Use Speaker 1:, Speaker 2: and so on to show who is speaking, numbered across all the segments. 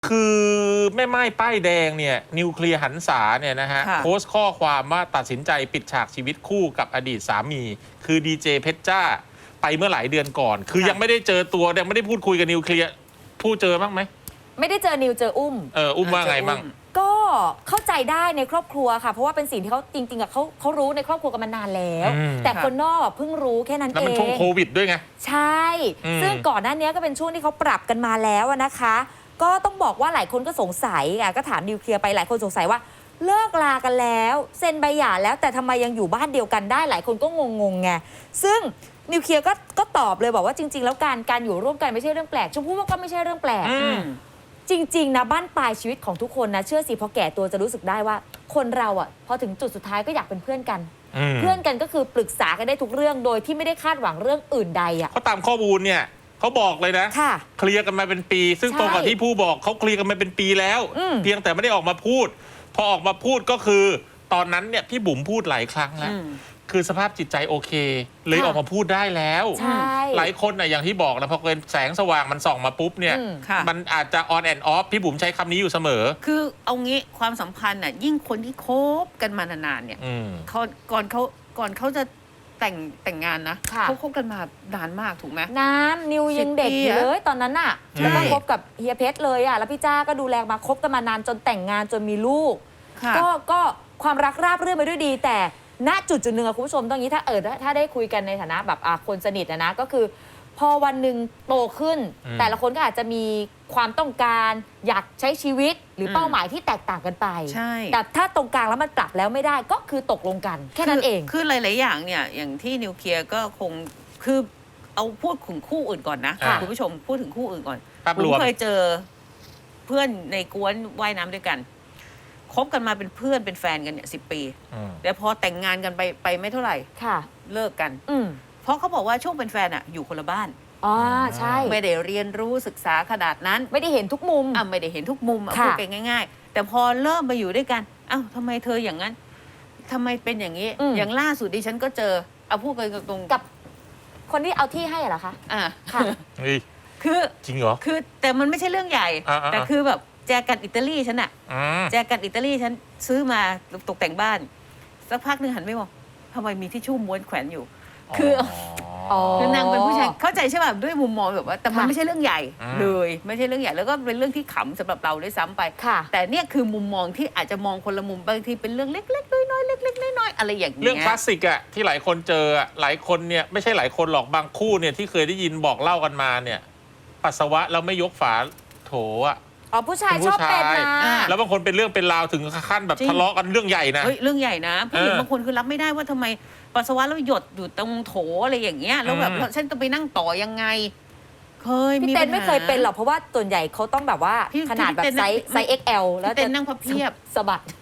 Speaker 1: คือแม่ไม้ป้ายแดงเนี่ยนิวเคลียร์หันษาเนี่ยนะฮะโพสต์ข้อความว่าตัดสินใจปิดฉากชีวิตคู่กับอดีตสามีคือดีเจเพชรจ้าไปเมื่อหลายเดือนก่อนคือยังไม่ได้เจอตัวยังไม่ได้พูดคุยกับนิวเคลียร์พูดเจอบ้างไหม
Speaker 2: ไม่ได้เจอนิวเจออุ้ม
Speaker 1: อุ้มว่าไงบ้าง
Speaker 2: ก็เข้าใจได้ในครอบครัวค่ะเพราะว่าเป็นสิ่งที่เขาจริงๆเขารู้ในครอบครัวกันมานานแล้วแต่คนนอกเพิ่งรู้แค่นั้นเองแล้ว
Speaker 1: มันช่วงโควิดด้วยไง
Speaker 2: ใช่ซึ่งก่อนหน้านี้ก็เป็นช่วงที่เขาปรับกันมาแล้วนะคะก็ต้องบอกว่าหลายคนก็สงสัยก็ถามนิวเคลียร์ไปหลายคนสงสัยว่าเลิกลากันแล้วเซ็นใบหย่าแล้วแต่ทำไมยังอยู่บ้านเดียวกันได้หลายคนก็งงไงซึ่งนิวเคลียร์ก็ตอบเลยบอกว่าจริงๆแล้วการอยู่ร่วมกันไม่ใช่เรื่องแปลกชมพู่ว่าก็ไม่ใช่เรื่องแปลกจริงๆนะบ้านปลายชีวิตของทุกคนนะเชื่อสิพอแก่ตัวจะรู้สึกได้ว่าคนเราพอถึงจุดสุดท้ายก็อยากเป็นเพื่อนกันเพื่อนกันก็คือปรึกษากันได้ทุกเรื่องโดยที่ไม่ได้คาดหวังเรื่องอื่นใด
Speaker 1: เขาตามข้อมูลเนี่ยเขาบอกเลยนะเคลียร์กันมาเป็นปีซึ่งตรงกับที่ผู้บอกเขาเคลียร์กันมาเป็นปีแล้วเพียงแต่ไม่ได้ออกมาพูดพอออกมาพูดก็คือตอนนั้นเนี่ยพี่บุ๋มพูดหลายครั้งแล้วคือสภาพจิตใจโอเคเลยออกมาพูดได้แล้วหลายคนนะอย่างที่บอกนะพอเกินแสงสว่างมันส่องมาปุ๊บเนี่ยมันอาจจะ on and off พี่บุ๋มใช้คำนี้อยู่เสมอ
Speaker 3: คือเอางี้ความสัมพันธ์น่ะยิ่งคนที่คบกันมานานๆเนี่ยก่อนเขาจะแต่งงานนะเขาคบกันมานานมากถูกไหม
Speaker 2: นิวยังเด็กอยู่เลยตอนนั้นน่ะแล้วก็คบกับเฮียเพชรเลยแล้วพี่จ้าก็ดูแลมาคบกันมานานจนแต่งงานจนมีลูกก็ความรักราบรื่นไปด้วยดีแต่ณจุดหนึ่งคุณผู้ชมตรงนี้ถ้าได้คุยกันในฐานะแบบคนสนิทนะก็คือพอวันหนึ่งโตขึ้นแต่ละคนก็อาจจะมีความต้องการอยากใช้ชีวิตหรือเป้าหมายที่แตกต่างกันไปแต่ถ้าตรงกลางแล้วมันปรับแล้วไม่ได้ก็คือตกลงกันแค่นั้นเอง
Speaker 3: คือหลายๆอย่างเนี่ยอย่างที่นิวเคลียร์ก็คงคือเอาพูดถึงคู่อื่นก่อนนะคุณผู้ชมพูดถึงคู่อื่นก่อนผมเคยเจอเพื่อนในกวนว่ายน้ำด้วยกันคบกันมาเป็นเพื่อนเป็นแฟนกันเนี่ย10 ปีแต่พอแต่งงานกันไปไม่เท่าไหร่เลิกกันเพราะเขาบอกว่าช่วงเป็นแฟนอยู่คนละบ้าน
Speaker 2: ใช่
Speaker 3: ไม่ได้เรียนรู้ศึกษาขนาดนั้น
Speaker 2: ไม่ได้เห็นทุกมุม
Speaker 3: ไม่ได้เห็นทุกมุมพูดกันง่ายๆแต่พอเริ่มมาอยู่ด้วยกันทำไมเธออย่างนั้นทำไมเป็นอย่างนี้อย่างล่าสุดดิฉันก็เจอพูดกันตรง
Speaker 2: กับคนที่เอาที่ให้เหรอคะ
Speaker 1: ค่ะ
Speaker 3: คือ
Speaker 1: จริงเหรอ
Speaker 3: คือแต่มันไม่ใช่เรื่องใหญ่แต่คือแบบแจกันอิตาลีฉันแจกันอิตาลีฉันซื้อมาตกแต่งบ้านสักพักนึงหันไม่มองทำไมมีทิชชู่ม้วนแขวนอยู่คือนางเป็นผู้ชายเข้าใจใช่ป่ะด้วยมุมมองแบบว่าแต่มันไม่ใช่เรื่องใหญ่เลยไม่ใช่เรื่องใหญ่แล้วก็เป็นเรื่องที่ขำสำหรับเราด้วยซ้ำไปแต่เนี่ยคือมุมมองที่อาจจะมองคนละมุมบางทีเป็นเรื่องเล็กๆน้อยๆเล็กๆน้อยๆอะไรอย่างเงี้ย
Speaker 1: เรื่องคลาสสิกที่หลายคนเจอหลายคนเนี่ยไม่ใช่หลายคนหรอกบางคู่เนี่ยที่เคยได้ยินบอกเล่ากันมาเนี่ยปัสสาวะแล้วไม่ยกฝาโถ
Speaker 2: ผู้ชายชอบเป็นนะ
Speaker 1: แล้วบางคนเป็นเรื่องเป็นราวถึงขั้นแบบทะเลาะกันเรื่องใหญ่นะ
Speaker 3: เรื่องใหญ่นะผู้หญิงบางคนคือรับไม่ได้ว่าทำไมปัสสาวะแล้วหยดอยู่ตรงโถอะไรอย่างเงี้ยแล้วแบบฉันจะไปนั่งต่อยังไงเคย
Speaker 2: พี่เต้นไม่เคยเป็นหรอกเพราะว่าส่วนใหญ่เขาต้องแบบว่าขนาดแบบไซส์ XL แล้ว
Speaker 3: เต้นนั่งพับเพียบ
Speaker 2: สะบัด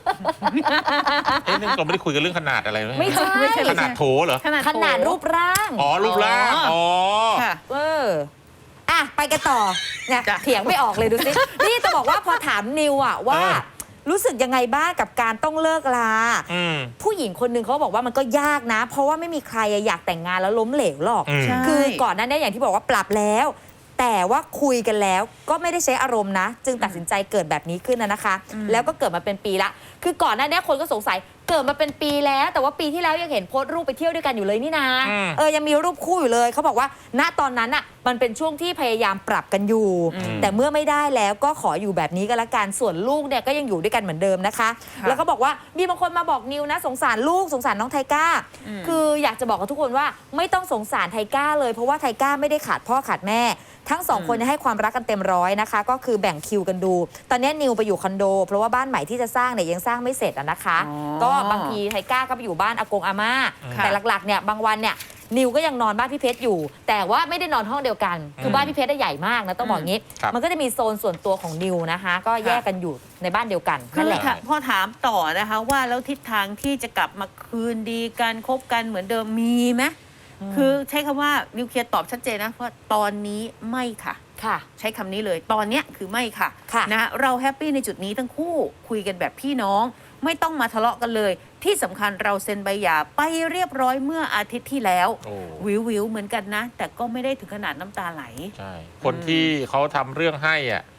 Speaker 1: นี่เราไม่ได้คุยกันเรื่องขนาดอะไร
Speaker 2: ไม่ใช่
Speaker 1: ขนาดโถเหรอ
Speaker 2: ขนาดรูปร่าง
Speaker 1: รูปร่าง
Speaker 2: ไปกันต่อเนี่ยเถียงไม่ออกเลยดูสินี่จะบอกว่าพอถามนิวว่ารู้สึกยังไงบ้างกับการต้องเลิกลาผู้หญิงคนหนึ่งเขาบอกว่ามันก็ยากนะเพราะว่าไม่มีใครอยากแต่งงานแล้วล้มเหลวหรอกคือก่อนหน้านี้อย่างที่บอกว่าปรับแล้วแต่ว่าคุยกันแล้วก็ไม่ได้ใช้อารมณ์นะจึงตัดสินใจเกิดแบบนี้ขึ้นนะคะแล้วก็เกิดมาเป็นปีละคือก่อนหน้านี้คนก็สงสัยเกิดมาเป็นปีแล้วแต่ว่าปีที่แล้วยังเห็นโพสต์รูปไปเที่ยวด้วยกันอยู่เลยนี่นะยังมีรูปคู่อยู่เลยเขาบอกว่าณตอนนั้นมันเป็นช่วงที่พยายามปรับกันอยู่แต่เมื่อไม่ได้แล้วก็ขออยู่แบบนี้ก็แล้วกันส่วนลูกเนี่ยก็ยังอยู่ด้วยกันเหมือนเดิมนะคะแล้วก็บอกว่ามีบางคนมาบอกนิวนะสงสารลูกสงสารน้องไทก้าคืออยากจะบอกกับทุกคนว่าไม่ต้องสงสารไทก้าเลยเพราะว่าไทก้าไม่ได้ขาดพ่อขาดแม่ทั้ง2 คนให้ความรักกันเต็มร้อยนะคะก็คือแบ่งคิวกันดูตอนนี้นิวไปอยู่คอนโดเพราะว่าบ้านใหม่ที่จะสร้างเนี่ยยังสร้างไม่เสร็จนะคะก็บางทีไทก้าก็ไปอยู่บ้านอากงอาม่าแต่หลักๆเนี่ยบางวันเนี่ยนิวก็ยังนอนบ้านพี่เพชรอยู่แต่ว่าไม่ได้นอนห้องเดียวกันคือบ้านพี่เพชรได้ใหญ่มากนะต้องบอกงี้มันก็จะมีโซนส่วนตัวของนิวนะคะก็แยกกันอยู่ในบ้านเดียวกันนั่นแหละ
Speaker 3: พอถามต่อนะคะว่าแล้วทิศทางที่จะกลับมาคืนดีกันคบกันเหมือนเดิมมีไหมคือใช้คำว่านิวเคลียร์ตอบชัดเจนนะว่าตอนนี้ไม่ค่ะใช้คำนี้เลยตอนนี้คือไม่ค่ะนะเราแฮปปี้ในจุดนี้ทั้งคู่คุยกันแบบพี่น้องไม่ต้องมาทะเลาะกันเลยที่สำคัญเราเซ็นใบหย่าไปเรียบร้อยเมื่ออาทิตย์ที่แล้ววิวเหมือนกันนะแต่ก็ไม่ได้ถึงขนาดน้ำตาไหล
Speaker 1: ใช่คนที่เขาทำเรื่องให้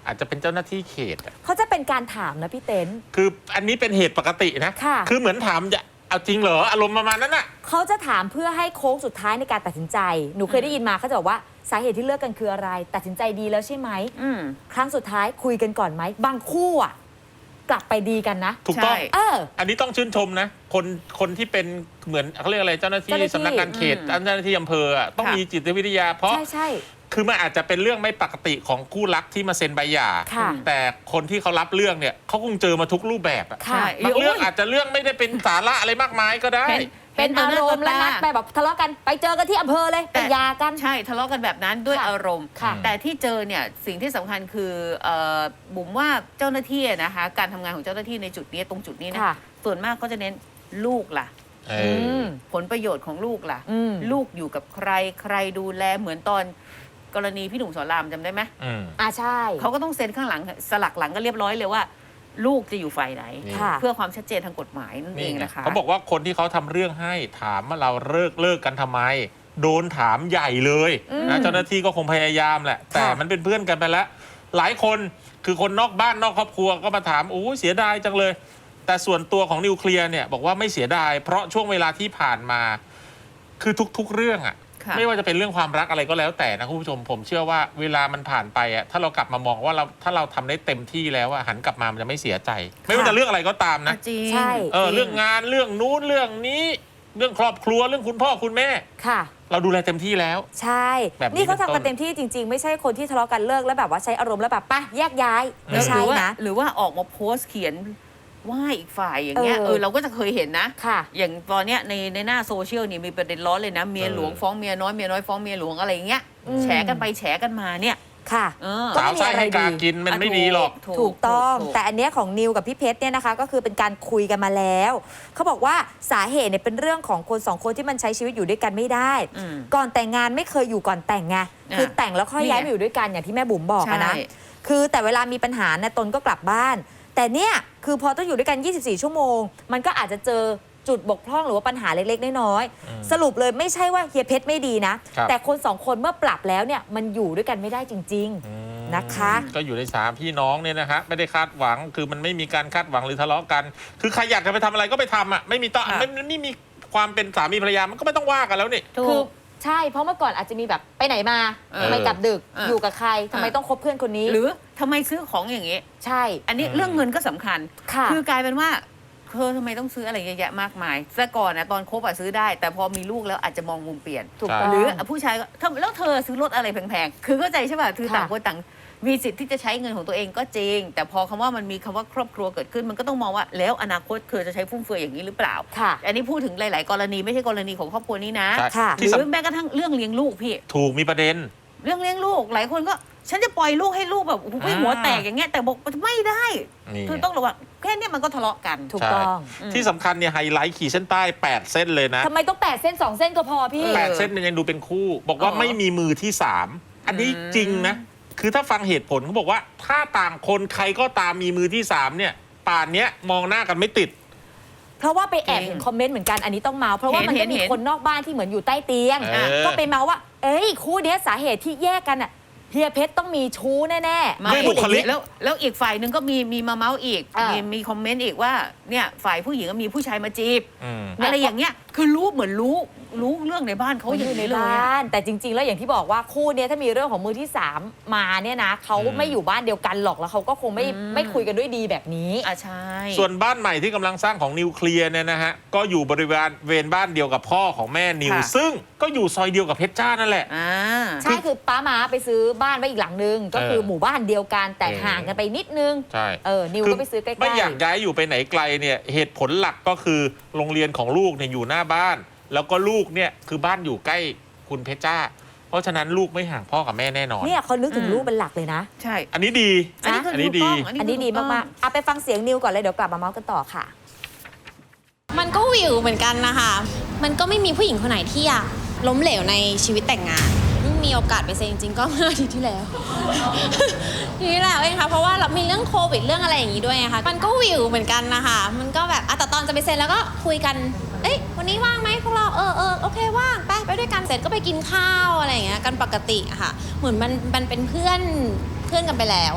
Speaker 1: อาจจะเป็นเจ้าหน้าที่เขต
Speaker 2: เขาจะเป็นการถามนะพี่เต้น
Speaker 1: คืออันนี้เป็นเหตุปกตินะคือเหมือนถามจะเอาจริงเหรออารมณ์ประมาณนั้นน่ะ
Speaker 2: เขาจะถามเพื่อให้โค้งสุดท้ายในการตัดสินใจหนูเคยได้ยินมาเขาจะบอกว่าสาเหตุที่เลิกกันคืออะไรตัดสินใจดีแล้วใช่ไหมครั้งสุดท้ายคุยกันก่อนไหมบางคู่อ่ะกลับไปดีกันนะ
Speaker 1: ถูกต้องอันนี้ต้องชื่นชมนะคนที่เป็นเหมือนเขาเรียกอะไรเจ้าหน้าที่สำนักงานเขตเจ้าหน้าที่อำเภอต้องมีจิตวิทยาเพราะ
Speaker 2: ใช่
Speaker 1: คือมันอาจจะเป็นเรื่องไม่ปกติของคู่รักที่มาเซ็นใบหย่าแต่คนที่เขารับเรื่องเนี่ยเขาคงเจอมาทุกรูปแบบบางเรื่องอาจจะเรื่องไม่ได้เป็นสาระอะไรมากมายก็ได้
Speaker 2: เป็นอารมณ์แล้วนัดไปแบบทะเลาะกันไปเจอกันที่อำเภอเลยไปหย่ากัน
Speaker 3: ใช่ทะเลาะกันแบบนั้นด้วยอารมณ์แต่ที่เจอเนี่ยสิ่งที่สำคัญคือบุ๋มว่าเจ้าหน้าที่นะคะการทำงานของเจ้าหน้าที่ในจุดนี้ตรงจุดนี้นะส่วนมากก็จะเน้นลูกล่ะผลประโยชน์ของลูกล่ะลูกอยู่กับใครดูแลเหมือนตอนกรณีพี่หนุ่มสอนรามจำได้ไหม
Speaker 2: ใช่
Speaker 3: เขาก็ต้องเซ็นข้างหลังสลักหลังก็เรียบร้อยเลยว่าลูกจะอยู่ฝ่ายไหนเพื่อความชัดเจนทางกฎหมายนั่นเองนะคะ
Speaker 1: เขาบอกว่าคนที่เขาทำเรื่องให้ถามว่าเราเลิกกันทำไมโดนถามใหญ่เลยนะเจ้าหน้าที่ก็คงพยายามแหละแต่มันเป็นเพื่อนกันไปแล้วหลายคนคือคนนอกบ้านนอกครอบครัวก็มาถามโอ้เสียดายจังเลยแต่ส่วนตัวของนิวเคลียร์เนี่ยบอกว่าไม่เสียดายเพราะช่วงเวลาที่ผ่านมาคือทุกเรื่องไม่ว่าจะเป็นเรื่องความรักอะไรก็แล้วแต่นะคุณผู้ชมผมเชื่อว่าเวลามันผ่านไปถ้าเรากลับมามองว่าถ้าเราทำได้เต็มที่แล้วหันกลับมามันจะไม่เสียใจไม่ว่าจะเรื่องอะไรก็ตามนะ
Speaker 3: จริง
Speaker 1: เรื่องงานเรื่องนู้นเรื่องนี้เรื่องครอบครัวเรื่องคุณพ่อคุณแม่เราดูแลเต็มที่แล้ว
Speaker 2: ใช่นี่เขาทำกันเต็มที่จริงๆไม่ใช่คนที่ทะเลาะกันเลิกแล้วแบบว่าใช้อารมณ์แล้วแบบป่ะแยกย้ายไม่ใช่นะ
Speaker 3: หรือว่าออกมาโพสต์เขียนว่าอีกฝ่ายอย่างเงี้ยเราก็จะเคยเห็นนะอย่างตอนเนี้ยในหน้าโซเชียลนี่มีประเด็นร้อนเลยนะเมียหลวงฟ้องเมียน้อยฟ้องเมียหลวงอะไรอย่างเงี้ยแฉกันไปแฉกันมาเนี่ย
Speaker 2: ค่ะ
Speaker 1: สาวไส้ให้การกินมันไม่ดีหรอก
Speaker 2: ถูกต้องแต่อันเนี้ยของนิวกับพี่เพชรเนี่ยนะคะก็คือเป็นการคุยกันมาแล้วเขาบอกว่าสาเหตุเนี่ยเป็นเรื่องของคนสองคนที่มันใช้ชีวิตอยู่ด้วยกันไม่ได้ก่อนแต่งงานไม่เคยอยู่ก่อนแต่งไงคือแต่งแล้วค่อยย้ายมาอยู่ด้วยกันอย่างที่แม่บุ๋มบอกนะคือแต่เวลามีปัญหาเนี่ยตนก็กลับบ้านแต่เนี่ยคือพอต้องอยู่ด้วยกัน24ชั่วโมงมันก็อาจจะเจอจุดบกพร่องหรือว่าปัญหาเล็กๆน้อยๆสรุปเลยไม่ใช่ว่าเฮียเพชรไม่ดีนะแต่คนสองคนเมื่อปรับแล้วเนี่ยมันอยู่ด้วยกันไม่ได้จริงๆนะคะ
Speaker 1: ก็อยู่ใน3พี่น้องเนี่ยนะฮะไม่ได้คาดหวังคือมันไม่มีการคาดหวังหรือทะเลาะกันคือใครอยากจะไปทำอะไรก็ไปทำไม่มีต้องไม่มีความเป็นสามีภรรยามันก็ไม่ต้องว่ากันแล้วนี่
Speaker 2: คือใช่เพราะเมื่อก่อนอาจจะมีแบบไปไหนมาทำไมกลับดึกอยู่กับใครทำไมต้องคบเพื่อนคนนี้
Speaker 3: หรือทำไมซื้อของอย่างนี้
Speaker 2: ใช่
Speaker 3: อันนี้เรื่องเงินก็สำคัญคือกลายเป็นว่าทำไมต้องซื้ออะไรเยอะแยะมากมายแต่ก่อนตอนคบซื้อได้แต่พอมีลูกแล้วอาจจะมองมุมเปลี่ยนหรือผู้ชายก็แล้วเธอซื้อรถอะไรแพงๆคือเข้าใจใช่ป่ะคือต่างคนต่างมีสิทธิ์ที่จะใช้เงินของตัวเองก็จริงแต่พอคำว่ามันมีคำว่าครอบครัวเกิดขึ้นมันก็ต้องมองว่าแล้วอนาคตเธอจะใช้ฟุ่มเฟือยอย่างนี้หรือเปล่าอันนี้พูดถึงหลายๆกรณีไม่ใช่กรณีของครอบครัวนี้นะหรือแม้กระทั่งเรื่องเลี้ยงลูกพี่
Speaker 1: ถูกมีประเด็น
Speaker 3: เรื่องเลี้ยงลูกหลายคนก็ฉันจะปล่อยลูกให้ลูกแบบหัวแตกอย่างเงี้ยแต่บอกไม่ได้คือต้องระวังแค่นี้มันก็ทะเลาะกัน
Speaker 2: ถูกต้อง
Speaker 1: ที่สำคัญเนี่ยไฮไลท์ขีดเส้นใต้8เส้นเลยนะ
Speaker 2: ทำไมต้อง8เส้น2เส้นก็พอพี่
Speaker 1: 8เส้นมันยังดูเป็นคู่บอกว่าไม่มีมือที่3อันนี้จริงนะคือถ้าฟังเหตุผลเขาบอกว่าถ้าต่างคนใครก็ตามมีมือที่3เนี่ยป่านนี้มองหน้ากันไม่ติด
Speaker 2: เพราะว่าไปแอบเห็นคอมเมนต์เหมือนกันอันนี้ต้องเมาเพราะว่ามันก็มีคนนอกบ้านที่เหมือนอยู่ใต้เตียงก็ไปเมาว่าคู่นี้สาเหตุที่แยกกันอ่ะเฮียเพชรต้องมีชู้แน่
Speaker 1: ๆไม่บุคลิก
Speaker 3: แล้วอีกฝ่ายหนึ่งก็มีมาเมาส์อีกมีคอมเมนต์อีกว่าเนี่ยฝ่ายผู้หญิงก็มีผู้ชายมาจีบอะไรอย่างเงี้ยคือรู้เหมือนรู้เรื่องในบ้านเขาอยู่ในบ้าน
Speaker 2: แต่จริงๆแล้วอย่างที่บอกว่าคู่นี้ถ้ามีเรื่องของมือที่3มาเนี่ยนะเขาไม่อยู่บ้านเดียวกันหรอกแล้วเขาก็คงไม่คุยกันด้วยดีแบบนี้
Speaker 3: ใช่
Speaker 1: ส่วนบ้านใหม่ที่กำลังสร้างของนิวเคลียร์เนี่ยนะฮะก็อยู่บริเวณบ้านเดียวกับพ่อของแม่นิวซึ่งก็อยู่ซอยเดียวกับเพชรจ้านั่นแหละ
Speaker 2: ใช่คือป้ามาไปซื้อบ้านไว้อีกหลังนึงก็คือหมู่บ้านเดียวกันแต่ห่างกันไปนิดนึง
Speaker 1: ใช่
Speaker 2: นิวก็ไปซื้อใกล้ๆ
Speaker 1: ไม่อยากย้ายอยู่ไปไหนไกลเนี่ยเหตุผลหลักก็คือโรงเรียนของลูกเนี่ยอยู่หน้าบ้านแล้วก็ลูกเนี่ยคือบ้านอยู่ใกล้คุณเพชรจ้าเพราะฉะนั้นลูกไม่ห่างพ่อกับแม่แน่นอน
Speaker 2: เนี่ยเขานึกถึงลูกเป็นหลักเลยนะ
Speaker 3: ใช่
Speaker 1: อันนี้ดี
Speaker 3: อันนี้
Speaker 2: ดีมากๆเอาไปฟังเสียงนิวก่อนเลยเดี๋ยวกลับมาเมาส์กันต่อค่ะ
Speaker 4: มันก็วิวเหมือนกันนะคะมันก็ไม่มีผู้หญิงคนไหนที่อยากล้มเหลวในชีวิตแต่งงานมีโอกาสไปเซ็นจริงๆก็เมื่ออาทิตย์ที่แล้วทีนี้แหละเองค่ะเพราะว่าเรามีเรื่องโควิดเรื่องอะไรอย่างนี้ด้วยนะคะมันก็วิวเหมือนกันนะคะมันก็แบบแต่ตอนจะไปเซ็นแล้วก็คุยกันวันนี้ว่างไหมพวกเราโอเคว่างไปด้วยกันเสร็จก็ไปกินข้าวอะไรอย่างเงี้ยกันปกติอะค่ะเหมือนมันเป็นเพื่อนกันไปแล้วอะ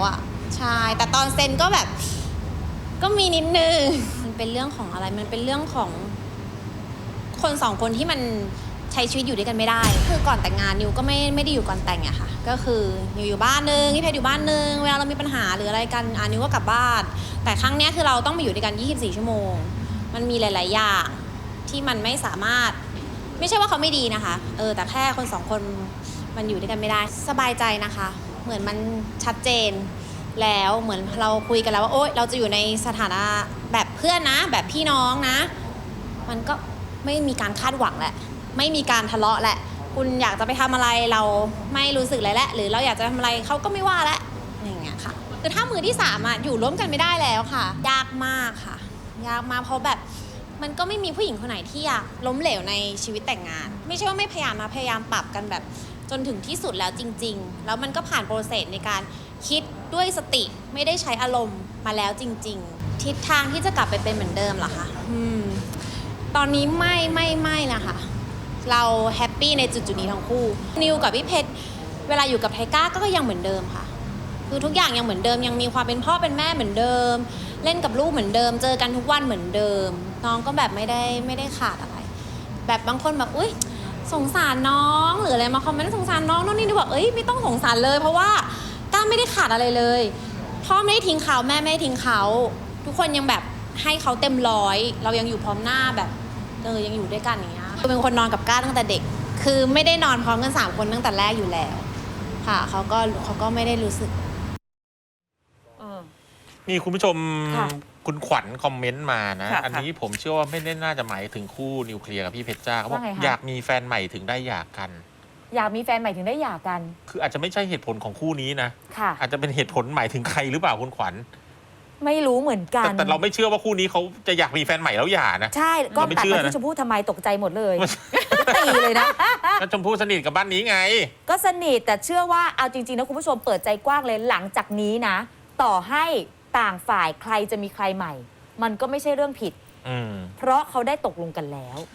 Speaker 4: ใช่แต่ตอนเซ็นก็แบบก็มีนิดนึงมันเป็นเรื่องของอะไรมันเป็นเรื่องของคนสองคนที่มันใช้ชีวิตอยู่ด้วยกันไม่ได้คือก่อนแต่งงานนิวก็ไม่ได้อยู่ก่อนแต่งอะค่ะก็คือนิวอยู่บ้านนึงพี่เพชรอยู่บ้านนึงเวลาเรามีปัญหาหรืออะไรกันนิวก็กลับบ้านแต่ครั้งเนี้ยคือเราต้องมาอยู่ด้วยกัน24ชั่วโมงมันมีหลายๆอย่างที่มันไม่สามารถไม่ใช่ว่าเขาไม่ดีนะคะแต่แค่คนสองคนมันอยู่ด้วยกันไม่ได้สบายใจนะคะเหมือนมันชัดเจนแล้วเหมือนเราคุยกันแล้วว่าโอ๊ยเราจะอยู่ในสถานะแบบเพื่อนนะแบบพี่น้องนะมันก็ไม่มีการคาดหวังแหละไม่มีการทะเลาะแหละคุณอยากจะไปทำอะไรเราไม่รู้สึกอะไรแล้วหรือเราอยากจะทำอะไรเขาก็ไม่ว่าแล้วอย่างเงี้ยค่ะคือถ้ามือที่สามอยู่ร่วมกันไม่ได้แล้วค่ะยากมากค่ะยากมากเพราะแบบมันก็ไม่มีผู้หญิงคนไหนที่อยากล้มเหลวในชีวิตแต่งงานไม่ใช่ว่าไม่พยายามปรับกันแบบจนถึงที่สุดแล้วจริงๆแล้วมันก็ผ่านโปรเซสในการคิดด้วยสติไม่ได้ใช้อารมณ์มาแล้วจริงๆทิศทางที่จะกลับไปเป็นเหมือนเดิมเหรอคะตอนนี้ไม่นะคะเราแฮปปี้ในจุดนี้ทั้งคู่นิวกับพี่เพชรเวลาอยู่กับไทก้าก็ยังเหมือนเดิมค่ะคือทุกอย่างยังเหมือนเดิมยังมีความเป็นพ่อเป็นแม่เหมือนเดิมเล่นกับลูกเหมือนเดิมเจอกันทุกวันเหมือนเดิมน้องก็แบบไม่ได้ขาดอะไร แบบบางคนแบบอุ๊ยสงสารน้องหรืออะไรมาคอมเมนต์สงสารน้องนี่บอกไม่ต้องสงสารเลยเพราะว่าก้าไม่ได้ขาดอะไรเลยพ่อไม่ได้ทิ้งเขาแม่ไม่ได้ทิ้งเขาทุกคนยังแบบให้เขาเต็มร้อยเรายังอยู่พร้อมหน้าแบบยังอยู่ด้วยกันอย่างเงี้ยเป็นคนนอนกับก้าตั้งแต่เด็กคือไม่ได้นอนพร้อมกัน3คนตั้งแต่แรกอยู่แล้วค่ะเขาก็ไม่ได้รู้สึก
Speaker 1: มีคุณผู้ชมคุณขวัญคอมเมนต์มานะอันนี้ผมเชื่อว่าไม่ได้น่าจะหมายถึงคู่นิวเคลียร์กับพี่เพชรจ้าเขาบอกอยากมีแฟนใหม่ถึงได้หย่ากัน
Speaker 2: อยากมีแฟนใหม่ถึงได้หย่ากัน
Speaker 1: คืออาจจะไม่ใช่เหตุผลของคู่นี้นะอาจจะเป็นเหตุผลหมายถึงใครหรือเปล่าคุณขวัญ
Speaker 2: ไม่รู้เหมือนกัน
Speaker 1: แต่เราไม่เชื่อว่าคู่นี้เขาจะอยากมีแฟนใหม่แล้วหย่านะ
Speaker 2: ใช่ก็ตัดมาที่ชมพู่ทำไมตกใจหมดเลยตีเลยนะ
Speaker 1: ก็ชมพู่สนิทกับบ้านนี้ไง
Speaker 2: ก็สนิทแต่เชื่อว่าเอาจริงๆนะคุณผู้ชมเปิดใจกว้างเลยหลังจากนี้นะต่อให้ต่างฝ่ายใครจะมีใครใหม่มันก็ไม่ใช่เรื่องผิดเพราะเขาได้ตกลงกันแล้ว